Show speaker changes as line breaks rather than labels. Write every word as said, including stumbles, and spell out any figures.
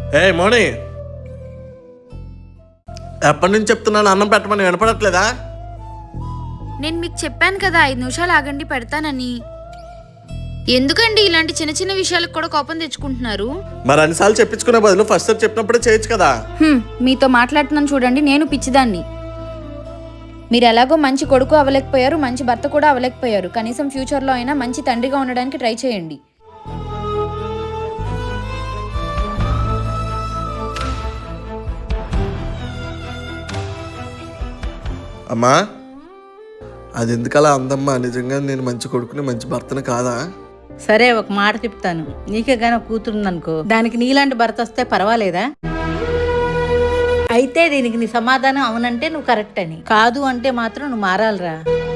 ఏ మోని, ఎప్పటి నుంచి చెప్తున్నాను అన్నం పెట్టమని వినపడట్లేదా?
నేను మీకు చెప్పాను కదా ఐదు నిమిషాలు ఆగండి పెడతానని. ఎందుకండి ఇలాంటి చిన్న చిన్న విషయాలకు కూడా కోపం తెచ్చుకుంటున్నారు?
మరి అన్నిసార్లు చెప్పించుకునే బదులు ఫస్ట్ సార్ చెప్పినప్పుడే చేయొచ్చు కదా.
హ్మ్, మీతో మాట్లాడుతున్నాను చూడండి, నేను పిచ్చిదాన్ని. మీరు ఎలాగో మంచి కొడుకు అవ్వలేకపోయారు, మంచి భర్త కూడా అవ్వలేకపోయారు. కనీసం ఫ్యూచర్లో అయినా మంచి తండ్రిగా ఉండడానికి ట్రై చేయండి.
అమ్మా, అది ఎందుకలా అందమ్మా? నిజంగా నేను మంచి కొడుకుని మంచి భర్తను కాదా?
సరే, ఒక మాట చెప్తాను. నీకే గానీ ఒక కూతురుందనుకో, దానికి నీలాంటి భర్త వస్తే పర్వాలేదా? అయితే దీనికి నీ సమాధానం అవునంటే నువ్వు కరెక్ట్ అని, కాదు అంటే మాత్రం నువ్వు మారాలిరా.